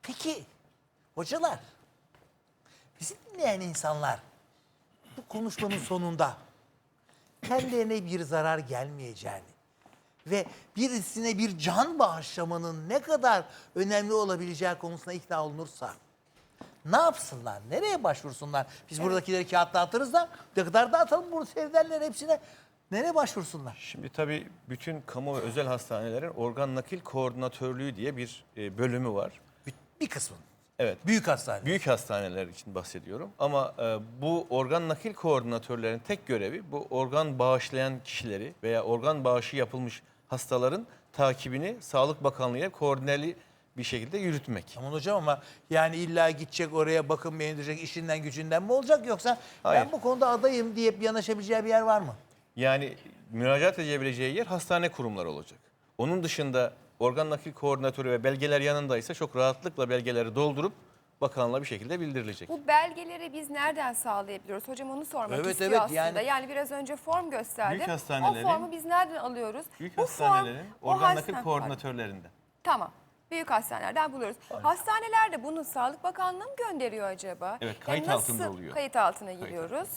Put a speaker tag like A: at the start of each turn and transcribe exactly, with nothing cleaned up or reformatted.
A: Peki hocalar, bizi dinleyen insanlar bu konuşmanın sonunda kendilerine bir zarar gelmeyeceğini ve birisine bir can bağışlamanın ne kadar önemli olabileceği konusuna ikna olunursa ne yapsınlar? Nereye başvursunlar? Biz buradakileri kağıtta atarız da ne kadar da atalım bunu seyrederler hepsine. Nereye başvursunlar?
B: Şimdi tabii bütün kamu ve özel hastanelerin organ nakil koordinatörlüğü diye bir e, bölümü var.
A: Bir, bir kısmı.
B: Evet.
A: Büyük hastane.
B: Büyük hastaneler için bahsediyorum. Ama e, bu organ nakil koordinatörlerin tek görevi bu organ bağışlayan kişileri veya organ bağışı yapılmış hastaların takibini Sağlık Bakanlığı'ya koordineli bir şekilde yürütmek.
A: Aman hocam ama yani illa gidecek oraya bakım beğendirecek işinden gücünden mi olacak yoksa
B: Hayır.
A: ben bu konuda adayım deyip yanaşabileceği bir yer var mı?
B: Yani müracaat edebileceği yer hastane kurumları olacak. Onun dışında organ nakil koordinatörü ve belgeler yanındaysa çok rahatlıkla belgeleri doldurup bakanlığa bir şekilde bildirilecek.
C: Bu belgeleri biz nereden sağlayabiliyoruz? Hocam onu sormak
A: Evet,
C: istiyor
A: evet,
C: aslında.
A: yani-
C: Yani... biraz önce form gösterdim.
B: Büyük hastanelerin-
C: O formu biz nereden alıyoruz?
B: Büyük
C: Bu
B: hastanelerin
C: form, o
B: organ
C: hasta-
B: nakil koordinatörlerinde.
C: Tamam. Büyük hastanelerden buluyoruz. Hastanelerde bunu Sağlık Bakanlığı mı gönderiyor acaba?
B: Evet,
C: Yani
B: kayıt
C: nasıl
B: altında oluyor.
C: Kayıt altına giriyoruz.